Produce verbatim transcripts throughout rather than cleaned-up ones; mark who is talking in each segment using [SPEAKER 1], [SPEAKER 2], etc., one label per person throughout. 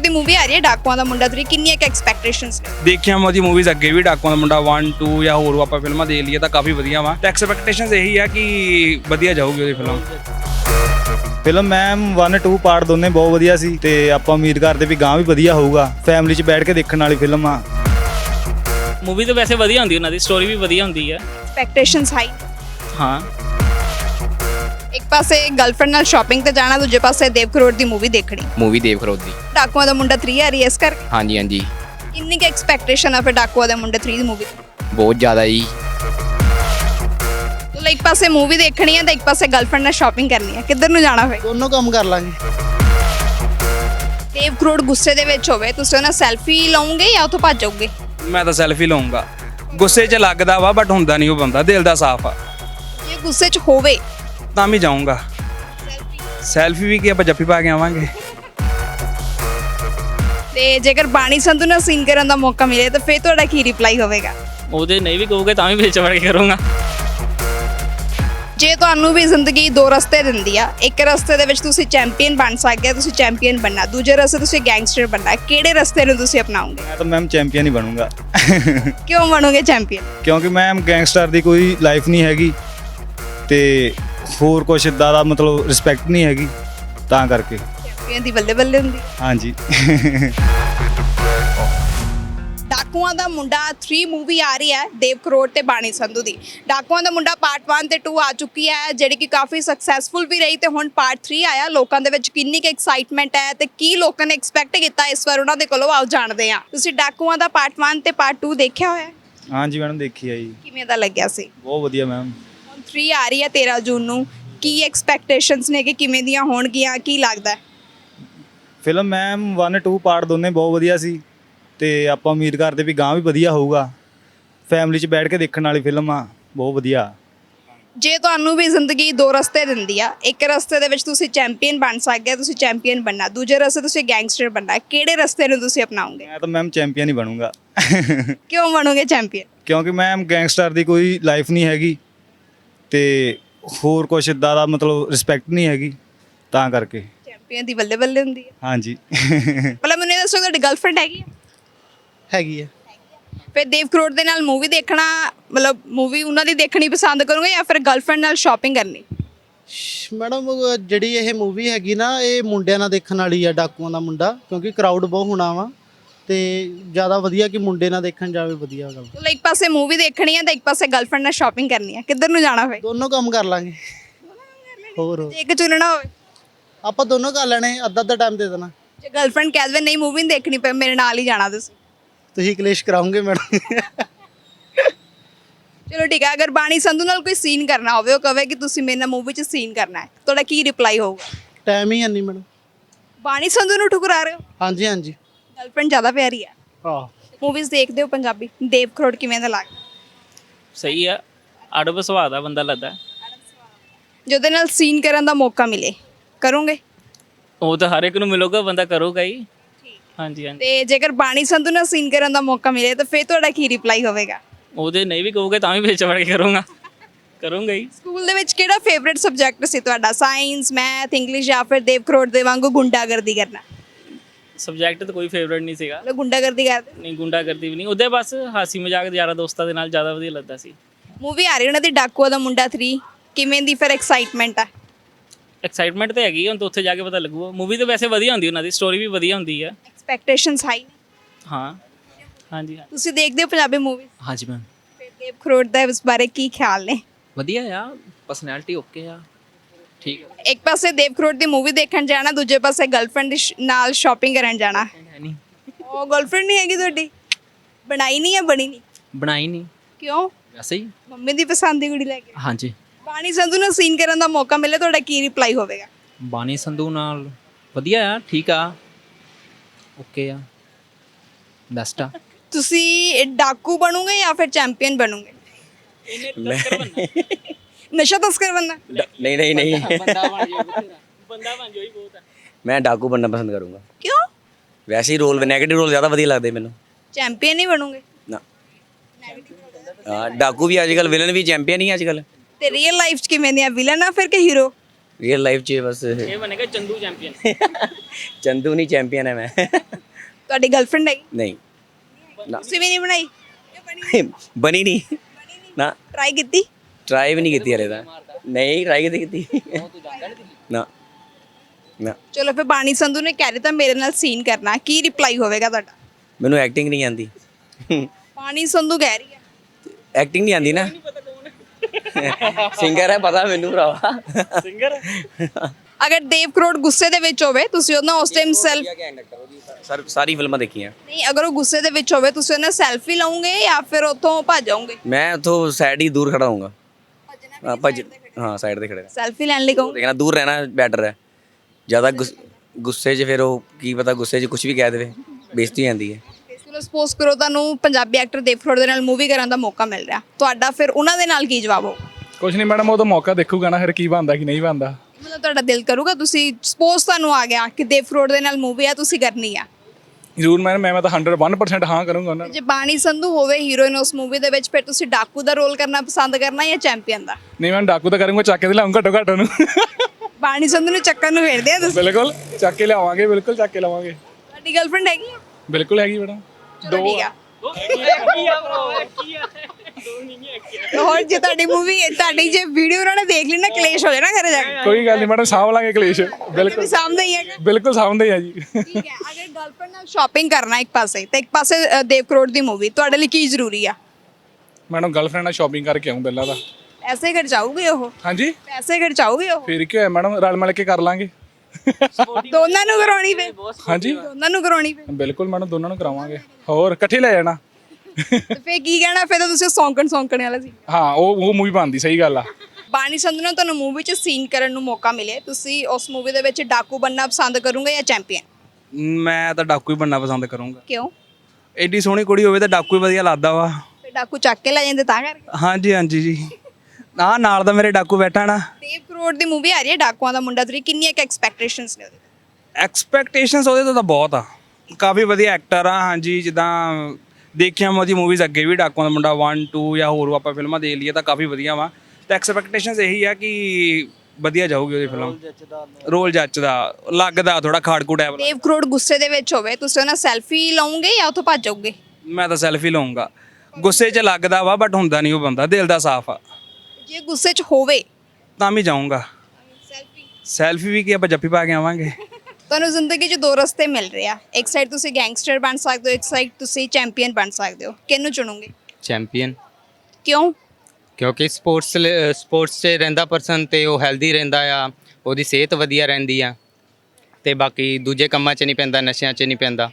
[SPEAKER 1] ਤੁਹਾਡੀ ਮੂਵੀ ਆ ਰਹੀ ਹੈ ਡਾਕੂਆਂ ਦਾ ਮੁੰਡਾ ਥ੍ਰੀ, ਕਿੰਨੀਆਂ ਕੁ ਐਕਸਪੈਕਟੇਸ਼ਨਸ ਨੇ?
[SPEAKER 2] ਦੇਖਿਆ ਮੈਂ ਉਹਦੀ ਮੂਵੀਜ਼ ਅੱਗੇ ਵੀ ਡਾਕੂਆਂ ਦਾ ਮੁੰਡਾ ਵਨ ਟੂ ਜਾਂ ਹੋਰ ਆਪਾਂ ਫਿਲਮਾਂ ਦੇਖ ਲਈਏ ਤਾਂ ਕਾਫੀ ਵਧੀਆ ਵਾ ਤੇ ਐਕਸਪੈਕਟੇਸ਼ਨਸ ਇਹੀ ਆ ਕਿ ਵਧੀਆ ਜਾਊਗੀ ਉਹਦੀ film.
[SPEAKER 3] Film ma'am one two part ਦੋਨੇ ਬਹੁਤ ਵਧੀਆ ਸੀ ਤੇ ਆਪਾਂ ਉਮੀਦ ਕਰਦੇ ਵੀ ਗਾਂ ਵੀ ਵਧੀਆ ਹੋਊਗਾ। ਫੈਮਿਲੀ 'ਚ ਬੈਠ ਕੇ ਦੇਖਣ ਵਾਲੀ ਫਿਲਮ ਆ।
[SPEAKER 4] ਮੂਵੀ ਤਾਂ ਵੈਸੇ ਵਧੀਆ ਹੁੰਦੀ, ਉਹਨਾਂ ਦੀ ਸਟੋਰੀ ਵੀ ਵਧੀਆ ਹੁੰਦੀ ਹੈ।
[SPEAKER 1] Expectations high.
[SPEAKER 4] ਹਾਂ,
[SPEAKER 1] ਇੱਕ ਪਾਸੇ ਗਰਲਫ੍ਰੈਂਡ ਨਾਲ ਸ਼ਾਪਿੰਗ ਤੇ ਜਾਣਾ, ਦੂਜੇ ਪਾਸੇ ਦੇਵ ਕਰੋੜ ਦੀ ਮੂਵੀ ਦੇਖਣੀ।
[SPEAKER 5] ਮੂਵੀ ਦੇਵ ਕਰੋੜ ਦੀ।
[SPEAKER 1] ਡਾਕੂਆਂ ਦਾ ਮੁੰਡਾ ਥ੍ਰੀ ਆ ਰਹੀ ਹੈ ਇਸ ਕਰਕੇ
[SPEAKER 5] ਹਾਂਜੀ ਹਾਂਜੀ
[SPEAKER 1] ਕਿੰਨੀ ਕੁ ਐਕਸਪੈਕਟੇਸ਼ਨ ਆ ਫਿਰ ਡਾਕੂਆਂ ਦਾ ਮੁੰਡਾ ਥ੍ਰੀ ਦੀ ਮੂਵੀ?
[SPEAKER 5] ਬਹੁਤ ਜ਼ਿਆਦਾ ਜੀ।
[SPEAKER 1] ਤਾਂ ਇੱਕ ਪਾਸੇ ਮੂਵੀ ਦੇਖਣੀ ਹੈ ਤੇ ਇੱਕ ਪਾਸੇ ਗਰਲਫ੍ਰੈਂਡ ਨਾਲ ਸ਼ਾਪਿੰਗ ਕਰਨੀ ਹੈ, ਕਿੱਧਰ ਨੂੰ ਜਾਣਾ ਹੋਵੇ?
[SPEAKER 6] ਦੋਨੋਂ ਕੰਮ ਕਰ ਲਾਂਗੇ।
[SPEAKER 1] ਦੇਵ ਕਰੋੜ ਗੁੱਸੇ ਦੇ ਵਿੱਚ ਹੋਵੇ, ਤੁਸੀਂ ਉਹਨਾਂ ਸੈਲਫੀ ਲਓਗੇ ਜਾਂ ਉੱਥੋਂ ਭੱਜ ਜਾਓਗੇ?
[SPEAKER 2] ਮੈਂ ਤਾਂ ਸੈਲਫੀ ਲਵਾਂਗਾ। ਗੁੱਸੇ 'ਚ ਲੱਗਦਾ ਵਾ ਬਟ ਹੁੰਦਾ ਨਹੀਂ ਉਹ ਬੰਦਾ, ਦਿਲ ਦਾ ਸਾਫ਼ ਆ।
[SPEAKER 1] ਜੇ ਗੁੱਸੇ 'ਚ ਹੋਵੇ
[SPEAKER 2] ਤਾਂ ਵੀ ਜਾਊਂਗਾ। ਸੈਲਫੀ ਵੀ ਕੀ ਆਪਾਂ ਜੱਫੀ ਪਾ ਕੇ ਆਵਾਂਗੇ।
[SPEAKER 1] ਤੇ ਜੇਕਰ ਬਾਣੀ ਸੰਧੂ ਨਾਲ ਸੀਨ ਕਰਨ ਦਾ ਮੌਕਾ ਮਿਲੇ ਤਾਂ ਫਿਰ ਤੁਹਾਡਾ ਕੀ ਰਿਪਲਾਈ ਹੋਵੇਗਾ?
[SPEAKER 4] ਉਹਦੇ ਨਹੀਂ ਵੀ ਕਹੋਗੇ ਤਾਂ ਵੀ ਵਿੱਚ ਵੜ ਕੇ ਕਰੂੰਗਾ।
[SPEAKER 1] ਜੇ ਤੁਹਾਨੂੰ ਵੀ ਜ਼ਿੰਦਗੀ ਦੋ ਰਸਤੇ ਦਿੰਦੀ ਆ, ਇੱਕ ਰਸਤੇ ਦੇ ਵਿੱਚ ਤੁਸੀਂ ਚੈਂਪੀਅਨ ਬਣ ਸਕਦੇ ਹੋ, ਤੁਸੀਂ ਚੈਂਪੀਅਨ ਬਣਨਾ, ਦੂਜੇ ਰਸਤੇ ਤੁਸੀਂ ਗੈਂਗਸਟਰ ਬਣਨਾ, ਕਿਹੜੇ ਰਸਤੇ ਨੂੰ ਤੁਸੀਂ ਅਪਣਾਓਗੇ?
[SPEAKER 3] ਮੈਂ ਤਾਂ ਮੈਮ ਚੈਂਪੀਅਨ ਹੀ ਬਣੂੰਗਾ।
[SPEAKER 1] ਕਿਉਂ ਬਣੋਗੇ ਚੈਂਪੀਅਨ?
[SPEAKER 3] ਕਿਉਂਕਿ ਮੈਮ ਗੈਂਗਸਟਰ ਦੀ ਕੋਈ ਲਾਈਫ ਨਹੀਂ ਹੈਗੀ ਤੇ ਹੋਰ ਕੁਛ ਇੱਦਾਂ ਦਾ ਮਤਲਬ ਰਿਸਪੈਕਟ ਨਹੀਂ ਹੈਗੀ, ਤਾਂ ਕਰਕੇ
[SPEAKER 1] ਚੈਂਪੀਅਨ ਦੀ ਬੱਲੇ ਬੱਲੇ ਹੁੰਦੀ।
[SPEAKER 3] ਹਾਂਜੀ।
[SPEAKER 1] ਡਾਕੂਆਂ ਦਾ ਮੁੰਡਾ ਥ੍ਰੀ ਮੂਵੀ ਆ ਰਹੀ ਹੈ ਦੇਵ ਕਰੋੜ ਤੇ ਬਾਣੀ ਸੰਧੂ ਦੀ। ਡਾਕੂਆਂ ਦਾ ਮੁੰਡਾ ਪਾਰਟ ਵਨ ਤੇ ਟੂ ਆ ਚੁੱਕੀ ਹੈ, ਜਿਹੜੀ ਕਿ ਕਾਫੀ ਸਕਸੈਸਫੁਲ ਵੀ ਰਹੀ ਤੇ ਹੁਣ ਪਾਰਟ ਥ੍ਰੀ ਆਇਆ। ਲੋਕਾਂ ਦੇ ਵਿੱਚ ਕਿੰਨੀ ਕੁ ਐਕਸਾਈਟਮੈਂਟ ਹੈ ਤੇ ਕੀ ਲੋਕਾਂ ਨੇ ਐਕਸਪੈਕਟ ਕੀਤਾ ਇਸ ਵਾਰ ਉਹਨਾਂ ਦੇ ਕੋਲੋਂ, ਆਓ ਜਾਣਦੇ ਹਾਂ। ਤੁਸੀਂ ਡਾਕੂਆਂ ਦਾ ਪਾਰਟ ਵਨ ਤੇ ਪਾਰਟ ਟੂ ਦੇਖਿਆ ਹੋਇਆ?
[SPEAKER 3] ਹਾਂਜੀ ਮੈਡਮ ਦੇਖੀ ਆ ਜੀ,
[SPEAKER 1] ਕਿਵੇਂ ਦਾ ਲੱਗਿਆ ਸੀ?
[SPEAKER 3] ਬਹੁਤ ਵਧੀਆ ਮੈਮ।
[SPEAKER 1] ਹੁਣ ਥ੍ਰੀ ਆ ਰਹੀ ਹੈ ਤੇਰਾਂ ਜੂਨ ਨੂੰ, ਕੀ ਐਕਸਪੈਕਟੇਸ਼ਨਸ ਨੇ ਕਿ ਕਿਵੇਂ ਦੀਆਂ ਹੋਣਗੀਆਂ, ਕੀ ਲੱਗਦਾ ਹੈ?
[SPEAKER 3] Film ma'am one two part ਦੋਨੇ ਬਹੁਤ ਵਧੀਆ ਸੀ ਤੇ ਆਪਾਂ ਉਮੀਦ ਕਰਦੇ ਵੀ ਗਾਂ ਵੀ ਵਧੀਆ ਹੋਊਗਾ। ਫੈਮਿਲੀ 'ਚ ਬੈਠ ਕੇ ਦੇਖਣ ਵਾਲੀ ਫਿਲਮ ਆ, ਬਹੁਤ ਵਧੀਆ।
[SPEAKER 1] ਜੇ ਤੁਹਾਨੂੰ ਵੀ ਜ਼ਿੰਦਗੀ ਦੋ ਰਸਤੇ ਦਿੰਦੀ ਆ, ਇੱਕ ਰਸਤੇ ਦੇ ਵਿੱਚ ਤੁਸੀਂ ਚੈਂਪੀਅਨ ਬਣ ਸਕਦੇ ਹੋ, ਤੁਸੀਂ ਚੈਂਪੀਅਨ ਬਣਨਾ, ਦੂਜੇ ਰਸਤੇ ਤੁਸੀਂ ਗੈਂਗਸਟਰ ਬਣਨਾ, ਕਿਹੜੇ ਰਸਤੇ ਨੂੰ ਤੁਸੀਂ ਅਪਣਾਓਗੇ?
[SPEAKER 3] ਮੈਂ ਤਾਂ ਮੈਮ ਚੈਂਪੀਅਨ ਹੀ ਬਣੂੰਗਾ।
[SPEAKER 1] ਕਿਉਂ ਬਣੋਗੇ ਚੈਂਪੀਅਨ?
[SPEAKER 3] ਕਿਉਂਕਿ ਮੈਮ ਗੈਂਗਸਟਰ ਦੀ ਕੋਈ ਲਾਈਫ ਨਹੀਂ ਹੈਗੀ ਤੇ ਹੋਰ ਕੁਛ ਇੱਦਾਂ ਦਾ ਮਤਲਬ ਰਿਸਪੈਕਟ ਨਹੀਂ ਹੈਗੀ, ਤਾਂ ਕਰਕੇ
[SPEAKER 1] ਚੈਂਪੀਅਨ ਦੀ ਬੱਲੇ ਬੱਲੇ ਹੁੰਦੀ ਹੈ।
[SPEAKER 3] ਹਾਂਜੀ।
[SPEAKER 1] ਪਹਿਲਾਂ ਮੈਨੂੰ ਇਹ ਦੱਸੋ ਤੁਹਾਡੀ ਗਰਲਫ੍ਰੈਂਡ ਹੈਗੀ ਹੈ?
[SPEAKER 6] ਹੈਗੀ ਹੈ।
[SPEAKER 1] ਫਿਰ ਦੇਵ ਕਰੋੜ ਦੇ ਨਾਲ ਮੂਵੀ ਦੇਖਣਾ, ਮਤਲਬ ਮੂਵੀ ਉਹਨਾਂ ਦੀ ਦੇਖਣੀ ਪਸੰਦ ਕਰੋਗੇ ਜਾਂ ਫਿਰ ਗਰਲਫ੍ਰੈਂਡ ਨਾਲ ਸ਼ਾਪਿੰਗ ਕਰਨੀ?
[SPEAKER 6] ਮੈਡਮ ਜਿਹੜੀ ਇਹ ਮੂਵੀ ਹੈਗੀ ਨਾ, ਇਹ ਮੁੰਡਿਆਂ ਨਾਲ ਦੇਖਣ ਵਾਲੀ ਆ, ਡਾਕੂਆਂ ਦਾ ਮੁੰਡਾ, ਕਿਉਂਕਿ ਕਰਾਊਡ ਬਹੁਤ ਹੋਣਾ ਵਾ ਤੇ ਜ਼ਿਆਦਾ ਵਧੀਆ ਕਿ ਮੁੰਡੇ ਨਾਲ ਦੇਖਣ ਜਾਵੇ, ਵਧੀਆ ਗੱਲ।
[SPEAKER 1] ਚਲੋ ਇੱਕ ਪਾਸੇ ਮੂਵੀ ਦੇਖਣੀ ਹੈ ਤੇ ਇੱਕ ਪਾਸੇ ਗਰਲਫ੍ਰੈਂਡ ਨਾਲ ਸ਼ਾਪਿੰਗ ਕਰਨੀ ਹੈ, ਕਿੱਧਰ ਨੂੰ ਜਾਣਾ ਹੋਵੇ?
[SPEAKER 6] ਦੋਨੋਂ ਕੰਮ ਕਰ ਲਾਂਗੇ। ਹੋਰ ਹੋਰ
[SPEAKER 1] ਜੇ ਇੱਕ ਚੁਣਨਾ ਹੋਵੇ?
[SPEAKER 6] ਆਪਾਂ ਦੋਨੋਂ ਕਰ ਲੈਣੇ, ਅੱਧਾ ਅੱਧਾ ਟਾਈਮ ਦੇ ਦੇਣਾ।
[SPEAKER 1] ਜੇ ਗਰਲਫ੍ਰੈਂਡ ਕਹਿ ਦੇਵੇ ਨਹੀਂ ਮੂਵੀ ਨਹੀਂ ਦੇਖਣੀ, ਪਰ ਮੇਰੇ ਨਾਲ ਹੀ ਜਾਣਾ ਤੁਸੀਂ,
[SPEAKER 6] ਤੁਸੀਂ ਕਲੇਸ਼ ਕਰਾਉਂਗੇ ਮੈਡਮ?
[SPEAKER 1] ਚਲੋ ਠੀਕ ਹੈ। ਅਗਰ ਬਾਣੀ ਸੰਧੂ ਨਾਲ ਕੋਈ ਸੀਨ ਕਰਨਾ ਹੋਵੇ, ਉਹ ਕਹੇ ਕਿ ਤੁਸੀਂ ਮੇਰੇ ਨਾਲ ਮੂਵੀ 'ਚ ਸੀਨ ਕਰਨਾ ਹੈ, ਤੁਹਾਡਾ ਕੀ ਰਿਪਲਾਈ ਹੋਊਗਾ?
[SPEAKER 6] ਟਾਈਮ ਹੀ ਹੈ ਨਹੀਂ ਮੈਡਮ।
[SPEAKER 1] ਬਾਣੀ ਸੰਧੂ ਨੂੰ ਠੁਕਰਾ ਰਹੇ ਹੋ?
[SPEAKER 6] ਹਾਂਜੀ ਹਾਂਜੀ।
[SPEAKER 1] ਗਰਲਫ੍ਰੈਂਡ ਜ਼ਿਆਦਾ ਪਿਆਰੀ ਹੈ।
[SPEAKER 6] ਆਹ
[SPEAKER 1] ਮੂਵੀਜ਼ ਦੇਖਦੇ ਹੋ ਪੰਜਾਬੀ? ਦੇਵ ਕਰੋੜ ਕਿਵੇਂ ਦਾ ਲੱਗਦਾ?
[SPEAKER 4] ਸਹੀ ਆ, ਅੜਬ ਸੁਭਾਅ ਦਾ ਬੰਦਾ ਲੱਗਦਾ।
[SPEAKER 1] ਜਿਹਦੇ ਨਾਲ ਸੀਨ ਕਰਨ ਦਾ ਮੌਕਾ ਮਿਲੇ, ਕਰੋਗੇ?
[SPEAKER 4] ਉਹ ਤਾਂ ਹਰ ਇੱਕ ਨੂੰ ਮਿਲੂਗਾ, ਬੰਦਾ ਕਰੂਗਾ ਹੀ। ਹਾਂਜੀ ਹਾਂਜੀ।
[SPEAKER 1] ਤੇ ਜੇਕਰ ਬਾਣੀ ਸੰਧੂ ਨਾਲ ਸੀਨ ਕਰਨ ਦਾ ਮੌਕਾ ਮਿਲੇ ਤਾਂ ਫਿਰ ਤੁਹਾਡਾ ਕੀ ਰਿਪਲਾਈ ਹੋਵੇਗਾ?
[SPEAKER 4] ਉਹਦੇ ਨਹੀਂ ਵੀ ਕਹੋਗੇ ਤਾਂ ਵੀ ਵਿੱਚ ਵੜ ਕੇ ਕਰੂੰਗਾ, ਕਰੂੰਗਾ ਹੀ।
[SPEAKER 1] ਸਕੂਲ ਦੇ ਵਿੱਚ ਕਿਹੜਾ ਫੇਵਰਿਟ ਸਬਜੈਕਟ ਸੀ ਤੁਹਾਡਾ? ਸਾਇੰਸ, ਮੈਥ, ਇੰਗਲਿਸ਼ ਜਾਂ ਫਿਰ ਦੇਵ ਕਰੋੜ ਦੇ ਵਾਂਗੂ ਗੁੰਡਾਗਰਦੀ ਕਰਨਾ?
[SPEAKER 4] ਸਬਜੈਕਟ ਤਾਂ ਕੋਈ ਫੇਵਰੇਟ ਨਹੀਂ ਸੀਗਾ।
[SPEAKER 1] ਮਤਲਬ ਗੁੰਡਾਗਰਦੀ ਕਰਦੇ?
[SPEAKER 4] ਨਹੀਂ, ਗੁੰਡਾਗਰਦੀ ਵੀ ਨਹੀਂ, ਉਹਦੇ ਬਸ ਹਾਸੀ ਮਜ਼ਾਕ ਯਾਰਾਂ ਦੋਸਤਾਂ ਦੇ ਨਾਲ ਜ਼ਿਆਦਾ ਵਧੀਆ ਲੱਗਦਾ ਸੀ।
[SPEAKER 1] ਮੂਵੀ ਆ ਰਹੀ ਉਹਨਾਂ ਦੀ ਡਾਕੂਆਂ ਦਾ ਮੁੰਡਾ ਥ੍ਰੀ, ਕਿਵੇਂ ਦੀ ਫਿਰ ਐਕਸਾਈਟਮੈਂਟ ਆ?
[SPEAKER 4] ਐਕਸਾਈਟਮੈਂਟ ਤਾਂ ਹੈਗੀ, ਹੁਣ ਤਾਂ ਉੱਥੇ ਜਾ ਕੇ ਪਤਾ ਲੱਗੂਗਾ। ਮੂਵੀ ਤਾਂ ਵੈਸੇ ਵਧੀਆ ਹੁੰਦੀ, ਉਹਨਾਂ ਦੀ ਸਟੋਰੀ ਵੀ ਵਧੀਆ ਹੁੰਦੀ ਹੈ।
[SPEAKER 1] Expectations high?
[SPEAKER 4] ਹਾਂ ਹਾਂਜੀ ਹਾਂ।
[SPEAKER 1] ਤੁਸੀਂ ਦੇਖਦੇ ਹੋ ਪੰਜਾਬੀ ਮੂਵੀਜ਼?
[SPEAKER 5] ਹਾਂਜੀ ਮੈਮ।
[SPEAKER 1] ਫਿਰ ਦੇਵ ਕਰੋੜ ਦਾ ਇਸ ਬਾਰੇ ਕੀ ਖਿਆਲ ਨੇ?
[SPEAKER 5] ਵਧੀਆ ਆ, ਪਰਸਨੈਲਿਟੀ ਓਕੇ ਆ, ਠੀਕ ਆ।
[SPEAKER 1] ਇੱਕ ਪਾਸੇ ਦੇਵ ਕਰੋੜ ਦੀ ਮੂਵੀ ਦੇਖਣ ਜਾਣਾ, ਦੂਜੇ ਪਾਸੇ ਗਰਲਫ੍ਰੈਂਡ ਨਾਲ ਸ਼ਾਪਿੰਗ ਕਰਨ ਜਾਣਾ।
[SPEAKER 5] ਹੈ ਨਹੀਂ,
[SPEAKER 1] ਉਹ ਗਰਲਫ੍ਰੈਂਡ ਨਹੀਂ ਹੈਗੀ ਤੁਹਾਡੀ? ਬਣਾਈ ਨਹੀਂ ਹੈ? ਬਣੀ ਨਹੀਂ?
[SPEAKER 5] ਬਣਾਈ ਨਹੀਂ,
[SPEAKER 1] ਕਿਉਂ?
[SPEAKER 5] ਵੈਸੇ ਹੀ।
[SPEAKER 1] ਮੰਮੀ ਦੀ ਪਸੰਦ ਦੀ ਕੁੜੀ ਲੈ ਕੇ?
[SPEAKER 5] ਹਾਂਜੀ।
[SPEAKER 1] ਬਾਣੀ ਸੰਧੂ ਨਾਲ ਸੀਨ ਕਰਨ ਦਾ ਮੌਕਾ ਮਿਲੇ, ਤੁਹਾਡਾ ਕੀ ਰਿਪਲਾਈ ਹੋਵੇਗਾ?
[SPEAKER 5] ਬਾਣੀ ਸੰਧੂ ਨਾਲ ਵਧੀਆ ਆ, ਠੀਕ ਆ, ਓਕੇ ਆ, ਬੈਸਟ ਆ।
[SPEAKER 1] ਤੁਸੀਂ ਡਾਕੂ ਬਣੋਗੇ ਜਾਂ ਫਿਰ ਚੈਂਪੀਅਨ ਬਣੋਗੇ? ਨਸ਼ਾ ਤਸਕਰ बनना?
[SPEAKER 7] नहीं नहीं नहीं
[SPEAKER 4] ਬੰਦਾ ਬਣ ਜਾਓ, ਬੰਦਾ ਬਣ ਜਾਓ ਹੀ ਬਹੁਤ ਹੈ।
[SPEAKER 7] मैं डाकू बनना पसंद करूंगा।
[SPEAKER 1] क्यों?
[SPEAKER 7] वैसे ही रोल नेगेटिव रोल ज़्यादा वधिया लगते मैनू।
[SPEAKER 1] चैंपियन ही बनोगे?
[SPEAKER 7] ना हाँ, डाकू भी आजकल विलन भी चैंपियन ही आजकल।
[SPEAKER 1] ਤੇ ਰੀਅਲ ਲਾਈਫ 'ਚ ਕਿਵੇਂ ਦੀਆਂ, ਵਿਲਨ ਆ ਫਿਰ ਕਿ ਹੀਰੋ?
[SPEAKER 7] ਰੀਅਲ ਲਾਈਫ 'ਚ ਬਸ
[SPEAKER 4] ਇਹ ਬਣੇਗਾ ਚੰਦੂ ਚੈਂਪੀਅਨ।
[SPEAKER 7] ਚੰਦੂ ਨਹੀਂ ਚੈਂਪੀਅਨ ਹੈ ਮੈਂ।
[SPEAKER 1] ਤੁਹਾਡੀ ਗਰਲਫ੍ਰੈਂਡ ਹੈਗੀ?
[SPEAKER 7] ਨਹੀਂ
[SPEAKER 1] ਤੁਸੀਂ ਵੀ ਨਹੀਂ ਬਣਾਈ? ਕਿਉਂ ਬਣੀ?
[SPEAKER 7] ਬਣੀ ਨਹੀਂ ਨਾ,
[SPEAKER 1] ਟਰਾਈ ਕੀਤੀ?
[SPEAKER 7] ਟਰਾਈ ਵੀ ਨਹੀਂ ਕੀਤੀ ਹਲੇ ਤਾਂ। ਨਹੀਂ ਟਰਾਈ ਕਿਤੇ ਕੀਤੀ ਨਾ ਨਾ।
[SPEAKER 1] ਚਲੋ ਫਿਰ ਬਾਣੀ ਸੰਧੂ ਨੇ ਕਹਿ ਦਿੱਤਾ ਮੇਰੇ ਨਾਲ ਸੀਨ ਕਰਨਾ, ਕੀ ਰਿਪਲਾਈ ਹੋਵੇਗਾ ਤੁਹਾਡਾ?
[SPEAKER 7] ਮੈਨੂੰ ਐਕਟਿੰਗ ਨਹੀਂ ਆਉਂਦੀ।
[SPEAKER 1] ਬਾਣੀ ਸੰਧੂ ਕਹਿ ਰਹੀ ਹੈ।
[SPEAKER 7] ਐਕਟਿੰਗ ਨਹੀਂ ਆਉਂਦੀ ਨਾ। ਸਿੰਗਰ ਹੈ ਪਤਾ ਮੈਨੂੰ ਭਰਾਵਾ।
[SPEAKER 4] ਸਿੰਗਰ
[SPEAKER 1] ਅਗਰ ਦੇਵ ਕਰੋੜ ਗੁੱਸੇ ਦੇ ਵਿੱਚ ਹੋਵੇ ਤੁਸੀਂ ਉਹਨਾਂ ਉਸ ਟਾਈਮ ਸੈਲਫ
[SPEAKER 7] ਸਰ ਸਾਰੀ ਫਿਲਮਾਂ ਦੇਖੀਆਂ
[SPEAKER 1] ਨਹੀਂ, ਅਗਰ ਉਹ ਗੁੱਸੇ ਦੇ ਵਿੱਚ ਹੋਵੇ ਤੁਸੀਂ ਉਹਨਾਂ ਸੈਲਫੀ ਲਓਗੇ ਜਾਂ ਫਿਰ ਉੱਥੋਂ ਭੱਜ ਜਾਓਗੇ?
[SPEAKER 7] ਮੈਂ ਉੱਥੋਂ ਸਾਈਡ ਹੀ ਦੂਰ ਖੜਾ ਹੋਊਂਗਾ। ਹਾਂ ਭੱਜ ਹਾਂ ਸਾਈਡ ਤੇ ਖੜੇ ਰਹਿਣਾ।
[SPEAKER 1] ਸੈਲਫੀ ਲੈਣ ਲਈ ਕਹੋਗੇ?
[SPEAKER 7] ਦੇਖਣਾ ਦੂਰ ਰਹਿਣਾ ਬੈਟਰ ਹੈ। ਜ਼ਿਆਦਾ ਗੁੱਸ- ਗੁੱਸੇ 'ਚ ਫਿਰ ਉਹ ਕੀ ਪਤਾ ਗੁੱਸੇ 'ਚ ਕੁਝ ਵੀ ਕਹਿ ਦੇਵੇ, ਬੇਇੱਜ਼ਤੀ ਹੋ ਜਾਂਦੀ ਹੈ।
[SPEAKER 1] ਚਲੋ ਸਪੋਜ਼ ਕਰੋ ਤੁਹਾਨੂੰ ਪੰਜਾਬੀ ਐਕਟਰ ਦੇਵ ਕਰੋੜ ਦੇ ਨਾਲ ਮੂਵੀ ਕਰਨ ਦਾ ਮੌਕਾ ਮਿਲ ਰਿਹਾ, ਤੁਹਾਡਾ ਫਿਰ ਉਹਨਾਂ ਦੇ ਨਾਲ ਕੀ ਜਵਾਬ ਹੋਊ?
[SPEAKER 8] ਕੁਛ ਨਹੀਂ ਮੈਡਮ, ਉਹ ਤਾਂ ਮੌਕਾ ਦੇਖੂਗਾ ਨਾ ਫਿਰ ਕੀ ਬਣਦਾ ਕੀ ਨਹੀਂ ਬਣਦਾ।
[SPEAKER 1] ਮਤਲਬ ਤੁਹਾਡਾ ਦਿਲ ਕਰੂਗਾ, ਤੁਸੀਂ ਸਪੋਜ਼ ਤੁਹਾਨੂੰ ਆ ਗਿਆ ਕਿ ਦੇਵ ਕਰੋੜ ਦੇ ਨਾਲ ਮੂਵੀ ਆ ਤੁਸੀਂ ਕਰਨੀ ਆ,
[SPEAKER 8] ਜ਼ਰੂਰ ਮੈਡਮ, ਮੈਂ ਮੈਂ ਤਾਂ ਹੰਡਰਡ ਵਨ ਪਰਸੈਂਟ ਹਾਂ ਕਰੂੰਗਾ ਉਹਨਾਂ ਨੂੰ।
[SPEAKER 1] ਜੇ ਬਾਣੀ ਸੰਧੂ ਹੋਵੇ ਹੀਰੋਇਨ ਉਸ ਮੂਵੀ ਦੇ ਵਿੱਚ, ਫਿਰ ਤੁਸੀਂ ਡਾਕੂ ਦਾ ਰੋਲ ਕਰਨਾ ਪਸੰਦ ਕਰਨਾ ਜਾਂ ਚੈਂਪੀਅਨ ਦਾ?
[SPEAKER 8] ਨਹੀਂ ਮੈਂ ਡਾਕੂ ਤਾਂ ਕਰੂੰਗਾ, ਚੱਕ ਕੇ ਲਿਆਉਂਗਾ ਘੱਟੋ ਘੱਟ ਉਹਨੂੰ।
[SPEAKER 1] ਬਾਣੀ ਸੰਧੂ ਨੂੰ ਚੱਕਰ ਨੂੰ ਫੇਰਦੇ ਆ ਤੁਸੀਂ?
[SPEAKER 8] ਬਿਲਕੁਲ ਚੱਕ ਕੇ ਲਿਆਵਾਂਗੇ, ਬਿਲਕੁਲ ਚੱਕ ਕੇ ਲਾਵਾਂਗੇ।
[SPEAKER 1] ਤੁਹਾਡੀ ਗਰਲਫ੍ਰੈਂਡ ਹੈਗੀ ਆ?
[SPEAKER 8] ਬਿਲਕੁਲ ਹੈਗੀ ਮੈਡਮ।
[SPEAKER 1] ਚਲੋ ਠੀਕ ਆ। ਹੋਰ ਜੇ ਤੁਹਾਡੀ ਮੂਵੀ ਤੁਹਾਡੀ ਜੇ ਵੀਡੀਓ ਉਹਨਾਂ ਨੇ ਦੇਖ ਲਈ ਨਾ, ਕਲੇਸ਼ ਹੋ ਜਾਣਾ ਘਰੇ ਜਾ ਕੇ।
[SPEAKER 8] ਕੋਈ ਗੱਲ ਨਹੀਂ ਮੈਡਮ, ਸਾਂਭ ਲਾਂਗੇ ਕਲੇਸ਼। ਬਿਲਕੁਲ
[SPEAKER 1] ਵੀ ਸਾਹਮਣੇ ਹੀ ਹੈਗਾ।
[SPEAKER 8] ਬਿਲਕੁਲ ਸਾਂਭਦੇ ਆ ਜੀ।
[SPEAKER 1] ਠੀਕ ਹੈ, ਅਗਰ ਗਰਲਫ੍ਰੈਂਡ ਨਾਲ ਸ਼ਾਪਿੰਗ ਕਰਨਾ ਇੱਕ ਪਾਸੇ ਤੇ ਇੱਕ ਪਾਸੇ ਅ, ਦੇਵ ਕਰੋੜ ਦੀ ਮੂਵੀ, ਤੁਹਾਡੇ ਲਈ ਕੀ ਜ਼ਰੂਰੀ ਆ?
[SPEAKER 8] ਮੈਡਮ ਗਰਲਫ੍ਰੈਂਡ ਨਾਲ ਸ਼ਾਪਿੰਗ ਕਰਕੇ ਆਉਂ ਪਹਿਲਾਂ ਤਾਂ।
[SPEAKER 1] ਪੈਸੇ ਖਰਚਾਓਗੇ ਉਹ?
[SPEAKER 8] ਹਾਂਜੀ
[SPEAKER 1] ਪੈਸੇ ਖਰਚਾਓਗੇ ਉਹ?
[SPEAKER 8] ਫਿਰ ਕੀ ਹੋਇਆ ਮੈਡਮ, ਰਲ ਮਿਲ ਕੇ ਕਰ ਲਾਂਗੇ।
[SPEAKER 1] ਦੋਨਾਂ ਨੂੰ ਕਰਾਉਣੀ ਵੇ?
[SPEAKER 8] ਹਾਂਜੀ
[SPEAKER 1] ਦੋਨਾਂ ਨੂੰ ਕਰਾਉਣੀ ਵੇ?
[SPEAKER 8] ਬਿਲਕੁਲ ਮੈਡਮ, ਦੋਨਾਂ ਨੂੰ ਕਰਾਵਾਂਗੇ, ਹੋਰ ਇਕੱਠੇ ਲੈ ਜਾਣਾ।
[SPEAKER 1] ਤੇ ਫੇਰ ਕੀ ਕਹਿਣਾ, ਫੇਰ ਤਾਂ ਤੁਸੀਂ ਸੌਂਕਣ ਸੌਂਕਣ ਵਾਲਾ ਸੀ।
[SPEAKER 8] ਹਾਂ ਉਹ ਉਹ ਮੂਵੀ ਬਣਦੀ, ਸਹੀ ਗੱਲ ਆ।
[SPEAKER 1] ਬਾਣੀ ਸੰਧੂ ਨੇ ਤੁਹਾਨੂੰ ਮੂਵੀ 'ਚ ਸੀਨ ਕਰਨ ਨੂੰ ਮੌਕਾ ਮਿਲੇ, ਤੁਸੀਂ ਉਸ ਮੂਵੀ ਦੇ ਵਿੱਚ ਡਾਕੂ ਬੰਨਾ ਪਸੰਦ ਕਰੋਗੇ ਜਾਂ ਚੈਂਪੀਅਨ?
[SPEAKER 2] ਮੈਂ ਤਾਂ ਡਾਕੂ ਹੀ ਬਣਨਾ ਪਸੰਦ ਕਰੂੰਗਾ।
[SPEAKER 1] ਕਿਉਂ?
[SPEAKER 2] ਐਡੀ ਸੋਹਣੀ ਕੁੜੀ ਹੋਵੇ ਤਾਂ ਡਾਕੂ ਹੀ ਵਧੀਆ ਲੱਗਦਾ ਵਾ।
[SPEAKER 1] ਫੇਰ ਡਾਕੂ ਚੱਕ ਕੇ ਲੈ ਜਾਂਦੇ ਤਾਂ ਕਰਕੇ?
[SPEAKER 2] ਹਾਂਜੀ ਹਾਂਜੀ ਜੀ, ਆ ਨਾਲ ਦਾ ਮੇਰੇ ਡਾਕੂ ਬੈਠਾ ਨਾ।
[SPEAKER 1] ਦੇਵ ਕਰੋੜ ਦੀ ਮੂਵੀ ਆ ਰਹੀ ਹੈ ਡਾਕੂਆਂ ਦਾ ਮੁੰਡਾ ਥ੍ਰੀ, ਕਿੰਨੀਆਂ ਕੁ ਐਕਸਪੈਕਟੇਸ਼ਨਸ ਨੇ ਉਹਦੇ?
[SPEAKER 2] ਐਕਸਪੈਕਟੇਸ਼ਨਸ ਉਹਦੇ ਤੋਂ ਤਾਂ ਬਹੁਤ ਆ, ਕਾਫੀ ਵਧੀਆ ਐਕਟਰ ਆ। ਹਾਂਜੀ ਜਿੱਦਾਂ ਦੇਖਿਆ ਮੈਂ ਉਹਦੀ ਮੂਵੀਜ਼ ਅੱਗੇ ਵੀ, ਡਾਕੂਆਂ ਦਾ ਮੁੰਡਾ ਵਨ ਟੂ ਜਾਂ ਹੋਰ ਆਪਾਂ ਫਿਲਮਾਂ ਦੇਖ ਲਈਏ ਤਾਂ ਕਾਫੀ ਵਧੀਆ ਵਾ। ਤੇ ਐਕਸਪੈਕਟੇਸ਼ਨਸ ਇਹੀ ਆ ਕਿ ਵਧੀਆ ਜਾਊਗੀ ਉਹਦੀ ਫਿਲਮ। ਰੋਲ ਜੱਚਦਾ ਲੱਗਦਾ, ਥੋੜਾ ਖਾੜਕੂ ਟਾਈਪ।
[SPEAKER 1] ਦੇਵ ਕਰੋੜ ਗੁੱਸੇ ਦੇ ਵਿੱਚ ਹੋਵੇ ਤੁਸੀਂ ਉਹਨਾਂ ਸੈਲਫੀ ਲਓਗੇ ਜਾਂ ਉੱਥੋਂ ਭੱਜ ਜਾਓਗੇ?
[SPEAKER 2] ਮੈਂ ਤਾਂ ਸੈਲਫੀ ਲਊਂਗਾ। ਗੁੱਸੇ 'ਚ ਲੱਗਦਾ ਵਾ ਬਟ ਹੁੰਦਾ ਨਹੀਂ ਉਹ ਬੰਦਾ, ਦਿਲ ਦਾ ਸਾਫ਼ ਆ।
[SPEAKER 1] ਜੇ ਗੁੱਸੇ 'ਚ ਹੋਵੇ
[SPEAKER 2] ਤਾਂ ਵੀ ਜਾਊਂਗਾ।
[SPEAKER 1] ਸੈਲਫੀ?
[SPEAKER 2] ਸੈਲਫੀ ਵੀ ਕੀ ਆਪਾਂ ਜੱਫੀ ਪਾ ਕੇ ਆਵਾਂਗੇ।
[SPEAKER 1] ਤੁਹਾਨੂੰ ਜ਼ਿੰਦਗੀ 'ਚ ਦੋ ਰਸਤੇ ਮਿਲ ਰਹੇ ਆ, ਇੱਕ ਸਾਈਡ ਤੁਸੀਂ ਗੈਂਗਸਟਰ ਬਣ ਸਕਦੇ ਹੋ, ਇੱਕ ਸਾਈਡ ਤੁਸੀਂ ਚੈਂਪੀਅਨ ਬਣ ਸਕਦੇ ਹੋ, ਕਿਹਨੂੰ ਚੁਣੋਗੇ?
[SPEAKER 5] ਚੈਂਪੀਅਨ,
[SPEAKER 1] ਕਿਉਂ?
[SPEAKER 5] ਕਿਉਂਕਿ ਸਪੋਰਟਸ ਸਪੋਰਟਸ 'ਚ ਰਹਿੰਦਾ ਪਰਸਨ ਤੇ ਉਹ ਹੈਲਦੀ ਰਹਿੰਦਾ ਆ, ਉਹਦੀ ਸਿਹਤ ਵਧੀਆ ਰਹਿੰਦੀ ਆ, ਤੇ ਬਾਕੀ ਦੂਜੇ ਕੰਮਾਂ 'ਚ ਨਹੀਂ ਪੈਂਦਾ, ਨਸ਼ਿਆਂ 'ਚ ਨਹੀਂ ਪੈਂਦਾ।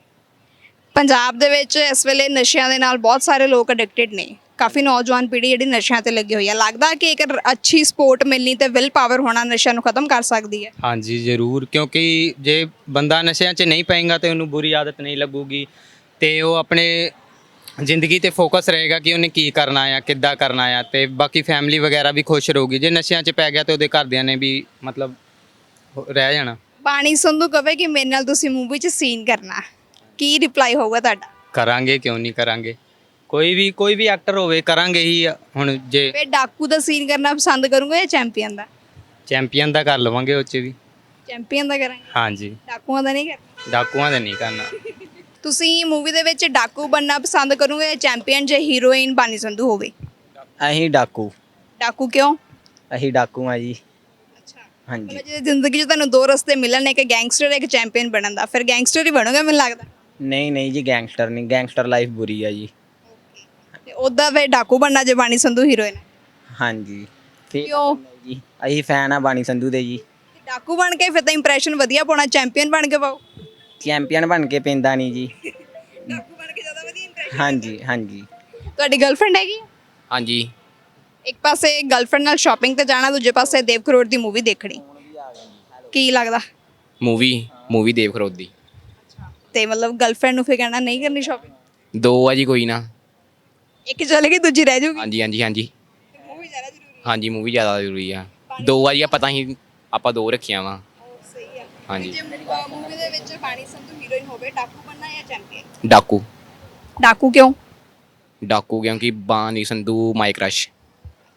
[SPEAKER 1] ਪੰਜਾਬ ਦੇ ਵਿੱਚ ਇਸ ਵੇਲੇ ਨਸ਼ਿਆਂ ਦੇ ਨਾਲ ਬਹੁਤ ਸਾਰੇ ਲੋਕ ਐਡਿਕਟਡ ਨੇ, ਕਾਫੀ ਨੌਜਵਾਨ ਪੀੜ੍ਹੀ ਜਿਹੜੀ ਨਸ਼ਿਆਂ ਤੇ ਲੱਗੀ ਹੋਈ ਆ। ਲੱਗਦਾ ਕਿ ਇੱਕ ਅੱਛੀ ਸਪੋਰਟ ਮਿਲਣੀ ਤੇ ਵਿਲ ਪਾਵਰ ਹੋਣਾ ਨਸ਼ਿਆਂ ਨੂੰ ਖਤਮ ਕਰ ਸਕਦੀ ਹੈ?
[SPEAKER 5] ਹਾਂਜੀ ਜ਼ਰੂਰ, ਕਿਉਂਕਿ ਜੇ ਬੰਦਾ ਨਸ਼ਿਆਂ 'ਚ ਨਹੀਂ ਪਏਗਾ ਤੇ ਉਹਨੂੰ ਬੁਰੀ ਆਦਤ ਨਹੀਂ ਲੱਗੂਗੀ, ਤੇ ਉਹ ਆਪਣੇ ਜ਼ਿੰਦਗੀ ਤੇ ਫੋਕਸ ਰਹੇਗਾ ਕਿ ਉਹਨੇ ਕੀ ਕਰਨਾ ਆ, ਕਿੱਦਾਂ ਕਰਨਾ ਆ, ਤੇ ਬਾਕੀ ਫੈਮਿਲੀ ਵਗੈਰਾ ਵੀ ਖੁਸ਼ ਰਹੂਗੀ। ਜੇ ਨਸ਼ਿਆਂ 'ਚ ਪੈ ਗਿਆ ਤੇ ਉਹਦੇ ਘਰਦਿਆਂ ਨੇ ਵੀ ਮਤਲਬ ਰਹਿ ਜਾਣਾ।
[SPEAKER 1] ਬਾਣੀ ਸੰਧੂ ਕਹੇ ਕਿ ਮੇਰੇ ਨਾਲ ਤੁਸੀਂ ਮੂਵੀ 'ਚ ਸੀਨ ਕਰਨਾ, ਕੀ ਰਿਪਲਾਈ ਹੋਊਗਾ ਤੁਹਾਡਾ?
[SPEAKER 5] ਕਰਾਂਗੇ, ਕਿਉਂ ਨਹੀਂ ਕਰਾਂਗੇ, ਕੋਈ ਵੀ ਕੋਈ ਵੀ ਐਕਟਰ ਹੋਵੇ ਕਰਾਂਗੇ ਹੀ। ਹੁਣ ਜੇ
[SPEAKER 1] ਫਿਰ ਡਾਕੂ ਦਾ ਸੀਨ ਕਰਨਾ ਪਸੰਦ ਕਰੋਗੇ ਜਾਂ ਚੈਂਪੀਅਨ ਦਾ?
[SPEAKER 5] ਚੈਂਪੀਅਨ ਦਾ ਕਰ ਲਵਾਂਗੇ ਉਹ 'ਚ ਵੀ।
[SPEAKER 1] ਚੈਂਪੀਅਨ ਦਾ ਕਰਾਂਗੇ?
[SPEAKER 5] ਹਾਂਜੀ,
[SPEAKER 1] ਡਾਕੂਆਂ ਦਾ ਨਹੀਂ ਕਰਨਾ?
[SPEAKER 5] ਡਾਕੂਆਂ ਦਾ ਨਹੀਂ ਕਰਨਾ।
[SPEAKER 1] ਤੁਸੀਂ ਮੂਵੀ ਦੇ ਵਿੱਚ ਡਾਕੂ ਬਣਨਾ ਪਸੰਦ ਕਰੋਗੇ ਜਾਂ ਚੈਂਪੀਅਨ ਜੇ ਹੀਰੋਇਨ ਬਾਣੀ ਸੰਧੂ ਹੋਵੇ?
[SPEAKER 9] ਅਸੀਂ ਡਾਕੂ
[SPEAKER 1] ਡਾਕੂ ਕਿਉਂ?
[SPEAKER 9] ਅਸੀਂ ਡਾਕੂ ਆ ਜੀ।
[SPEAKER 1] ਅੱਛਾ,
[SPEAKER 9] ਹਾਂਜੀ
[SPEAKER 1] ਮਤਲਬ ਜੇ ਜ਼ਿੰਦਗੀ 'ਚ ਤੁਹਾਨੂੰ ਦੋ ਰਸਤੇ ਮਿਲਣ, ਇੱਕ ਗੈਂਗਸਟਰ ਇੱਕ ਚੈਂਪੀਅਨ ਬਣਨ ਦਾ, ਫਿਰ ਗੈਂਗਸਟਰ ਹੀ ਬਣੋਗੇ ਮੈਨੂੰ ਲੱਗਦਾ।
[SPEAKER 9] ਨਹੀਂ ਨਹੀਂ ਜੀ, ਗੈਂਗਸਟਰ ਨਹੀਂ, ਗੈਂਗਸਟਰ ਲਾਈਫ ਬੁਰੀ ਆ ਜੀ।
[SPEAKER 1] ਤੇ ਉਹਦਾ ਫਿਰ ਡਾਕੂ ਬਣਨਾ ਜੇ ਬਾਣੀ ਸੰਧੂ ਹੀਰੋਇਨ?
[SPEAKER 9] ਹਾਂਜੀ ਫਿਰ
[SPEAKER 1] ਕਿਉਂ?
[SPEAKER 9] ਜੀ ਅਸੀਂ ਫੈਨ ਆ ਬਾਣੀ ਸੰਧੂ ਦੇ ਜੀ।
[SPEAKER 1] ਡਾਕੂ ਬਣ ਕੇ ਫਿਰ ਤਾਂ ਇੰਪ੍ਰੈਸ਼ਨ ਵਧੀਆ ਪਾਉਣਾ, ਚੈਂਪੀਅਨ ਬਣ ਕੇ ਪਾਓ।
[SPEAKER 9] ਚੈਂਪੀਅਨ ਬਣ ਕੇ ਪੈਂਦਾ ਨਹੀਂ ਜੀ।
[SPEAKER 1] ਡਾਕੂ ਬਣ ਕੇ ਜ਼ਿਆਦਾ ਵਧੀਆ ਇੰਪ੍ਰੈਸ਼ਨ।
[SPEAKER 9] ਹਾਂਜੀ ਹਾਂਜੀ।
[SPEAKER 1] ਤੁਹਾਡੀ ਗਰਲਫ੍ਰੈਂਡ ਹੈਗੀ?
[SPEAKER 5] ਹਾਂਜੀ,
[SPEAKER 1] ਇੱਕ ਪਾਸੇ ਗਰਲਫ੍ਰੈਂਡ ਨਾਲ ਸ਼ਾਪਿੰਗ ਤੇ ਜਾਣਾ, ਦੂਜੇ ਪਾਸੇ ਦੇਵ ਕਰੋੜ ਦੀ ਮੂਵੀ ਦੇਖਣੀ, ਕੀ ਲੱਗਦਾ?
[SPEAKER 10] ਮੂਵੀ ਮੂਵੀ ਦੇਵ ਕਰੋੜ ਦੀ।
[SPEAKER 1] ਤੇ ਮਤਲਬ ਗਰਲਫ੍ਰੈਂਡ ਨੂੰ ਫਿਰ ਕਹਿਣਾ ਨਹੀਂ ਕਰਨੀ ਸ਼ਾਪਿੰਗ?
[SPEAKER 10] ਦੋ ਆ ਜੀ, ਕੋਈ ਨਾ।
[SPEAKER 1] ਇੱਕ ਚਲੇਗੀ ਦੂਜੀ ਰਹਿ ਜਾਊਗੀ?
[SPEAKER 10] ਹਾਂਜੀ ਹਾਂਜੀ ਹਾਂਜੀ
[SPEAKER 1] ਮੂਵੀ ਜ਼ਿਆਦਾ ਜ਼ਰੂਰੀ
[SPEAKER 10] ਹਾਂਜੀ ਮੂਵੀ ਜ਼ਿਆਦਾ ਜ਼ਰੂਰੀ ਆ। ਦੋ ਆ ਜੀ, ਪਤਾ ਹੀ ਆਪਾਂ ਦੋ ਰੱਖੀਆਂ ਵਾ।
[SPEAKER 1] ਸਹੀ ਆ।
[SPEAKER 10] ਹਾਂਜੀ।
[SPEAKER 1] ਜੇ ਮੂਵੀ ਦੇ ਵਿੱਚ ਬਾਣੀ ਸੰਧੂ ਹੀਰੋਇਨ ਹੋਵੇ, ਡਾਕੂ ਬਣਨਾ ਜਾਂ ਚੈਂਪੀਅਨ?
[SPEAKER 10] ਡਾਕੂ।
[SPEAKER 1] ਡਾਕੂ ਕਿਉਂ?
[SPEAKER 10] ਡਾਕੂ ਕਿਉਂਕਿ ਬਾਣੀ ਸੰਧੂ ਮਾਈ ਕ੍ਰਸ਼।
[SPEAKER 1] ਅੱਛਾ,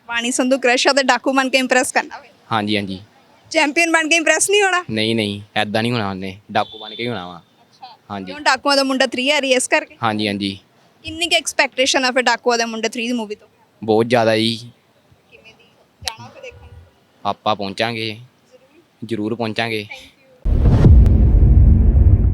[SPEAKER 1] ਬਾਣੀ ਸੰਧੂ ਕ੍ਰਸ਼ ਆ ਤੇ ਡਾਕੂ ਬਣ ਕੇ ਇੰਪ੍ਰੈਸ ਕਰਨਾ ਵੇ
[SPEAKER 10] ਹਾਂਜੀ ਹਾਂਜੀ
[SPEAKER 1] ਚੈਂਪੀਅਨ ਬਣ ਕੇ ਇੰਪ੍ਰੈਸ ਨਹੀਂ ਹੋਣਾ
[SPEAKER 10] ਨਹੀਂ ਨਹੀਂ ਐਦਾਂ ਨਹੀਂ ਹੋਣਾ ਉਹਨੇ ਡਾਕੂ ਬਣ ਕੇ ਹੀ ਹੋਣਾ ਵਾ ਹਾਂਜੀ
[SPEAKER 1] ਕਿਉਂ ਡਾਕੂਆਂ ਦਾ ਮੁੰਡਾ ਥ੍ਰੀ ਆ ਰਹੀ ਹੈ ਇਸ ਕਰਕੇ
[SPEAKER 10] ਹਾਂਜੀ ਹਾਂਜੀ
[SPEAKER 1] ਕਿੰਨੀ ਕੁ ਐਕਸਪੈਕਟੇਸ਼ਨ ਆ ਫਿਰ ਡਾਕੂਆਂ ਦਾ ਮੁੰਡਾ ਥ੍ਰੀ ਦੀ ਮੂਵੀ ਤੋਂ
[SPEAKER 10] ਬਹੁਤ ਜ਼ਿਆਦਾ ਜੀ
[SPEAKER 1] ਕਿਵੇਂ ਦੀ ਜਾਣਾ ਫਿਰ ਦੇਖਣ
[SPEAKER 10] ਆਪਾਂ ਪਹੁੰਚਾਂਗੇ ਜ਼ਰੂਰ ਪਹੁੰਚਾਂਗੇ